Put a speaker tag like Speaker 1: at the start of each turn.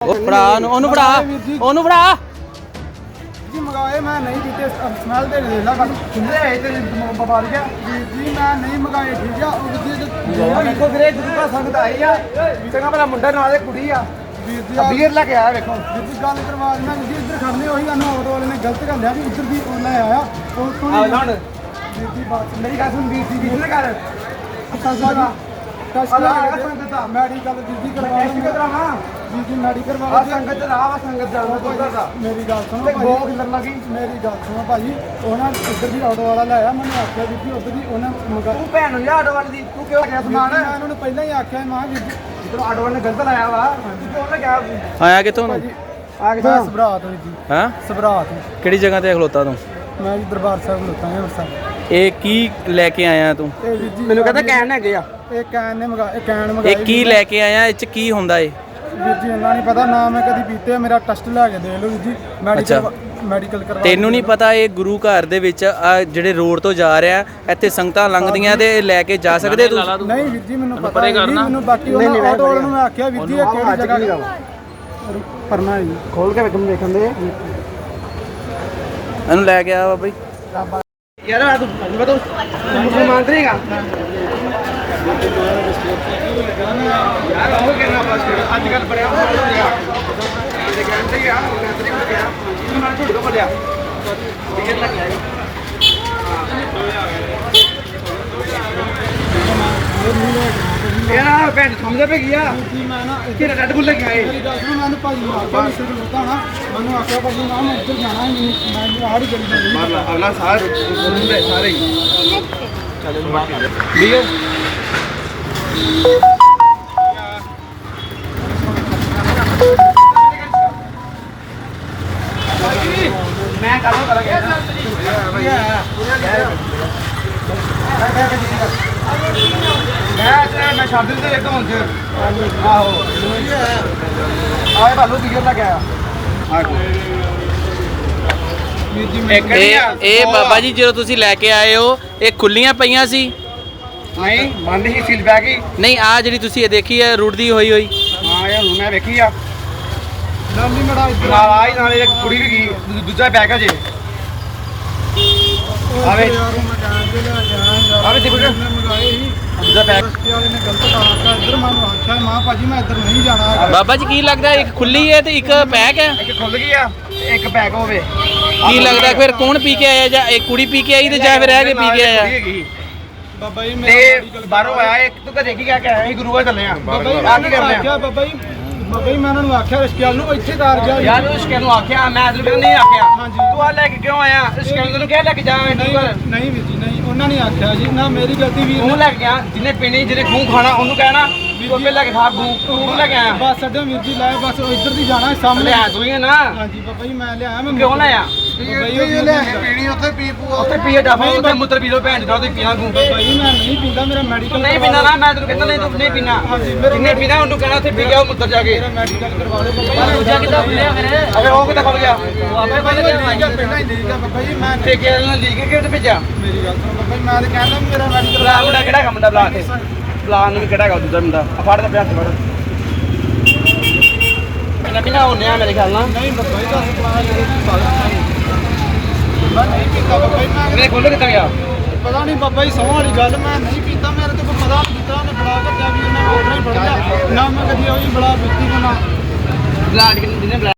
Speaker 1: ਫੜਾ ਉਹਨੂੰ ਫੜਾ ਉਹਨੂੰ ਫੜਾ
Speaker 2: ਜੀ ਮੰਗਾਏ ਮੈਂ ਨਹੀਂ ਕੀਤੇ ਸਮੈਲ ਦੇ ਦੇ ਲਾ ਖੁੱਲੇ ਆਏ ਤੇ ਬਵਾਲ ਗਿਆ ਜੀ ਮੈਂ ਨਹੀਂ ਮੰਗਾਏ ਠੀਕ ਆ ਉਹ ਜੀ ਵੇਖੋ ਵੀਰੇ ਗੁਰੂ ਸੰਗਤ ਆਈ ਆ ਚੰਗਾ ਭਲਾ ਮੁੰਡਾ ਨਾਲ ਇਹ ਕੁੜੀ ਆ ਵੀਰ ਜੀ ਬੀਅਰ ਲੈ ਕੇ ਆਇਆ ਵੇਖੋ ਜੀ ਗੱਲ ਕਰਵਾ ਮੈਂ ਜੀ ਇੱਧਰ ਖੜਨੇ ਉਹੀ ਸਾਨੂੰ ਆਟੋ ਵਾਲੇ ਨੇ ਗਲਤ ਕਰ ਲਿਆ ਵੀ ਇੱਧਰ ਦੀ ਉਹ ਲੈ ਆਇਆ ਉਹ ਤੋਂ ਲੜ ਵੀਰ ਜੀ ਬਾਤ ਮੇਰੀ ਗੱਲ ਸੁਣ ਵੀਰ ਜੀ ਵੀਰ ਨੇ ਕਰ ਸੰਗਤ ਮੈਡੀਕਲ ਜੀ ਕਰਵਾ ਜੀ ਜੀ ਮੈਡੀਕਲ ਵਾਲਾ ਸੰਗਤ ਰਾਹ ਸੰਗਤ ਜਾਣਾ ਮੇਰੀ ਗੱਲ ਸੁਣੋ ਬਹੁਤ ਕਿਲਰ ਲੱਗੀ ਮੇਰੀ ਗੱਲ ਸੁਣੋ ਭਾਜੀ ਉਹਨਾਂ ਇੱਧਰ ਦੀ ਆਟੋ ਵਾਲਾ ਲਾਇਆ ਮੈਨੂੰ ਆਖਿਆ ਵੀ ਜੀ ਉੱਧਰ ਦੀ ਉਹਨਾਂ ਮੰਗਾ ਤੂੰ ਭੈਣ ਨੂੰ ਆਟੋ ਵਾਲੇ ਦੀ ਤੂੰ ਕਿਉਂ ਗਿਆ ਸਮਾਨ ਮੈਂ ਉਹਨਾਂ ਨੂੰ ਪਹਿਲਾਂ ਹੀ ਆਖਿਆ ਮਾਂ ਵੀ ਜਦੋਂ ਆਟੋ ਵਾਲੇ ਨੇ ਗਲਤ ਲਾਇਆ ਵਾ ਤੂੰ ਉਹਨੇ ਕਿਹਾ
Speaker 1: ਆਇਆ ਕਿੱਥੋਂ ਨੂੰ
Speaker 2: ਆ ਕੇ ਸਬਰਾਤ ਹੋਈ ਜੀ
Speaker 1: ਹਾਂ
Speaker 2: ਸਬਰਾਤ
Speaker 1: ਕਿਹੜੀ ਜਗ੍ਹਾ ਤੇ ਖਲੋਤਾ ਤੂੰ
Speaker 2: ਮੈਂ ਜੀ ਦਰਬਾਰ ਸਾਹਿਬ ਖਲੋਤਾ ਹਾਂ ਅੰਮ੍ਰਿਤਸਰ
Speaker 1: ਇਹ ਕੀ ਲੈ ਕੇ ਆਇਆ ਤੂੰ
Speaker 2: ਇਹ ਵੀਰ ਜੀ ਮੈਨੂੰ ਕਹਿੰਦਾ ਕੈਨ ਹੈਗੇ ਆ ਇਹ ਕੈਨ ਨੇ ਮੰਗਾ ਇਹ ਕੈਨ ਮੰਗਾਈ
Speaker 1: ਇਹ ਕੀ ਲੈ ਕੇ ਆਇਆ ਇਹ ਚ ਕੀ ਹੁੰਦਾ ਏ
Speaker 2: ਵੀਰ ਜੀ ਇਹਨਾਂ ਨਹੀਂ ਪਤਾ ਨਾ ਮੈਂ ਕਦੀ ਪੀਤੇ ਮੇਰਾ ਟੈਸਟ ਲੈ ਕੇ ਦੇ ਲਓ ਵੀਰ ਜੀ ਮੈਡੀਕਲ ਕਰਵਾ
Speaker 1: ਤੈਨੂੰ ਨਹੀਂ ਪਤਾ ਇਹ ਗੁਰੂ ਘਰ ਦੇ ਵਿੱਚ ਆ ਜਿਹੜੇ ਰੋਡ ਤੋਂ ਜਾ ਰਿਹਾ ਇੱਥੇ ਸੰਗਤਾਂ ਲੰਘਦੀਆਂ ਤੇ ਲੈ ਕੇ ਜਾ ਸਕਦੇ ਤੂੰ
Speaker 2: ਨਹੀਂ ਵੀਰ ਜੀ ਮੈਨੂੰ ਪਤਾ ਨਹੀਂ ਮੈਨੂੰ ਬਾਕੀ ਉਹਨਾਂ ਆਟੋ ਵਾਲਿਆਂ ਨੂੰ ਮੈਂ ਆਖਿਆ ਵੀਰ ਜੀ ਇਹ ਕਿਹੜੀ ਜਗ੍ਹਾ ਪਰਨਾ ਜੀ ਖੋਲ ਕੇ ਵੇਖਣ ਦੇ
Speaker 1: ਇਹਨੂੰ ਲੈ ਕੇ ਆ ਬਾਬਾ ਜੀ
Speaker 2: यार तू बता मुसलमान तो नहींगा यार हो कहना बस आजकल बड़ा हो गया ये कहते हैं यार कहते हैं क्या मैं झूठ को बोलिया टिकट लग जाएगा यार पेंट समझ पे गया मैं ना कि रेड बुल लेके आए मेरी गाल सुनो मैंने भाजी आके इसे बोलता ना मैंने आके भाजी ना मैं उधर जाना है मैं आड़ी गली में मार ला अगला सारे सुनते सारे ही चलो बात लियो मैं करो करेंगे मैं शादी से लेता हूँ आहो आए भालू बिगड़ लग गया
Speaker 1: ਇਹ ਬਾਬਾ ਜੀ ਜਦੋਂ ਤੁਸੀਂ ਲੈ ਕੇ ਆਏ ਹੋ ਇਹ ਖੁੱਲੀਆਂ ਪਈਆਂ ਸੀ
Speaker 2: ਨਹੀਂ ਬੰਦ ਹੀ ਸੀਲ ਪੈ ਗਈ
Speaker 1: ਨਹੀਂ ਆ ਜਿਹੜੀ ਤੁਸੀਂ ਇਹ ਦੇਖੀ ਹੈ ਰੁੜਦੀ ਹੋਈ
Speaker 2: ਹਾਂ ਇਹ ਹੁਣ ਮੈਂ ਵੇਖੀ ਆ ਨਾਲੀ ਮੜਾ ਨਾਲ ਆਈ ਨਾਲੇ ਇੱਕ ਕੁੜੀ ਵੀ ਗਈ ਦੂਜਾ ਬੈਗ ਆ ਜੇ ਆਵੇ ਆਵੇ ਦੇਖੋ ਮੰਗਾਏ ਹੀ ਦੂਜਾ ਬੈਗ ਵਾਲੇ ਨੇ ਗਲਤ ਕਰਾਤਾ ਇੱਧਰ ਮੈਨੂੰ ਆਖਿਆ ਮਾਂ ਭਾਜੀ ਮੈਂ ਇੱਧਰ ਨਹੀਂ ਜਾਣਾ
Speaker 1: ਬਾਬਾ ਜੀ ਕੀ ਲੱਗਦਾ ਇੱਕ ਖੁੱਲੀ ਹੈ ਤੇ ਇੱਕ ਪੈਕ ਹੈ
Speaker 2: ਇੱਕ ਖੁੱਲ ਗਈ ਆ ਇੱਕ ਬੈਗ ਹੋਵੇ
Speaker 1: ਕੀ ਲੱਗਦਾ ਫਿਰ ਕੌਣ ਪੀ ਕੇ ਆਇਆ ਜਾਂ ਇੱਕ ਕੁੜੀ ਪੀ ਕੇ ਆਈ ਤੇ ਜਾਂ ਫਿਰ ਰਹਿ ਕੇ ਪੀ ਕੇ ਆਇਆ
Speaker 2: ਬਾਬਾ ਜੀ ਮੈਂ ਬਾਹਰੋਂ ਆਇਆ ਇੱਕ ਤੂੰ ਘਰੇ ਕੀ ਕਹਿ ਕੇ ਆਇਆ ਗੁਰੂ ਘਰ ਚੱਲੇ ਆ ਬਾਬਾ ਜੀ ਆ ਕੀ ਕਰਨੇ ਆ ਬਾਬਾ ਜੀ ਮੈਂ ਉਹਨਾਂ ਨੂੰ ਆਖਿਆ ਰਿਸ਼ਤੇਦਾਰ ਨੂੰ ਇੱਥੇ ਤਾਰ ਜਾ ਯਾਰ ਰਿਸ਼ਤੇਦਾਰ ਨੂੰ ਆਖਿਆ ਮੈਂ ਅਦਰ ਨਹੀਂ ਆਖਿਆ ਹਾਂਜੀ ਤੂੰ ਆ ਲੈ ਕੇ ਕਿਉਂ ਆਇਆ ਰਿਸ਼ਤੇਦਾਰ ਨੂੰ ਕਹਿ ਲੈ ਕੇ ਜਾ ਨਹੀਂ ਵੀਰ ਜੀ ਨਹੀਂ ਉਹਨਾਂ ਨੇ ਆਖਿਆ ਜੀ ਨਾ ਮੇਰੀ ਗਲਤੀ ਵੀਰ ਨੂੰ ਲੈ ਕੇ ਗਿਆ ਜਿਹਨੇ ਪੀਣੀ ਜਿਹਨੇ ਖੂਹ ਖਾਣਾ ਉਹਨੂੰ ਕਹਿਣਾ ਵੀ ਉਹਨੇ ਲੈ ਕੇ ਖਾ ਖੂਹ ਲੈ ਕੇ ਆਇਆ ਬਸ ਅੱਡੇ ਵੀਰ ਜੀ ਲੈ ਬਸ ਇੱਧਰ ਦੀ ਜਾਣਾ ਸਾਹਮਣੇ ਆ ਤੂੰ ਹੀ ਨਾ ਹਾਂਜੀ ਬਾਬਾ ਜੀ ਮੈਂ ਲਿਆਇਆ ਮੈਂ ਕਿਉਂ ਲਾਇਆ ਪੀਣੀ ਉੱਥੇ ਪੀ ਪੂਆ ਉੱਥੇ ਪੀਏ ਡਾਫਾ ਉੱਥੇ ਮੁੱਤਰ ਪੀ ਲੋ ਭੈਣ ਦਾ ਉੱਥੇ ਪੀਣਾ ਤੂੰ ਬਾਬਾ ਜੀ ਮੈਂ ਨਹੀਂ ਪੀਂਦਾ ਮੇਰਾ ਮੈਡੀਕਲ ਨਹੀਂ ਪੀਣਾ ਨਾ ਮੈਂ ਤੈਨੂੰ ਕਹਿੰਦਾ ਨਹੀਂ ਤੂੰ ਨਹੀਂ ਪੀਣਾ ਜਿੰਨੇ ਪੀਣਾ ਉਹਨੂੰ ਕਹਿਣਾ ਉੱਥੇ ਪੀ ਗਿਆ ਉਹ ਮੁੱਤਰ ਜਾ ਕੇ ਮੇਰਾ ਮੈਡੀਕਲ ਕਰਵਾ ਲਓ ਬਾਬਾ ਜੀ ਦੂਜਾ ਕਿੱਦਾਂ ਖੁੱਲਿਆ ਫਿਰ ਅਰੇ ਉਹ ਕਿੱਦਾਂ ਖੁੱਲ ਗਿਆ ਉਹ ਆਪੇ ਪਹਿਲਾਂ ਪਹਿਲਾਂ ਹੀ ਲੀਕ ਆ ਬਾਬਾ ਜੀ ਮੈਂ ਠੇਕੇ ਨਾਲ ਲੀਕ ਕੇ ਉੱਥੇ ਭੇਜਿਆ ਮੇਰੀ ਗੱਲ ਸੁਣ ਬਾਬਾ ਜੀ ਮੈਂ ਤਾਂ ਕਹਿੰਦਾ ਮੇਰਾ ਮੈਡੀਕਲ ਬਲਾ ਮੁੰਡਾ ਕਿਹੜਾ ਕੰਮ ਦਾ ਬਲਾ ਕੇ ਬਲਾ ਨੂੰ ਕਿਹੜਾ ਗਾ ਦੂਜਾ ਮੁੰਡਾ ਆ ਫੜ ਦਾ ਪਿਆਸ ਫੜ ਇਹਨਾਂ ਬਿਨਾ ਹੁੰਨੇ ਆ ਮੇਰੇ ਖਿਆਲ ਨਾਲ ਨਹੀਂ ਬਾਬਾ ਜੀ ਦਾ ਸਪਲਾਈ ਮੈਂ ਨਹੀਂ ਪੀਤਾ ਬਾਬਾ ਜੀ ਮੈਂ ਖੋਲ ਕਿੱਦਾਂ ਗਿਆ ਪਤਾ ਨਹੀਂ ਬਾਬਾ ਜੀ ਸੌਂ ਵਾਲੀ ਗੱਲ ਮੈਂ ਨਹੀਂ ਪੀਤਾ ਮੇਰੇ ਤੋਂ ਪਤਾ ਨਹੀਂ ਕੀਤਾ ਉਹਨੇ ਬੜਾ ਕੱਟਿਆ ਵੀ ਉਹਨੇ ਉਹ ਨਹੀਂ ਫੜਿਆ ਨਾ ਮੈਂ ਕਦੀ ਉਹ ਬੜਾ ਪੀਤੀ ਨਾ ਬਲਾਡ ਕਿੰਨੇ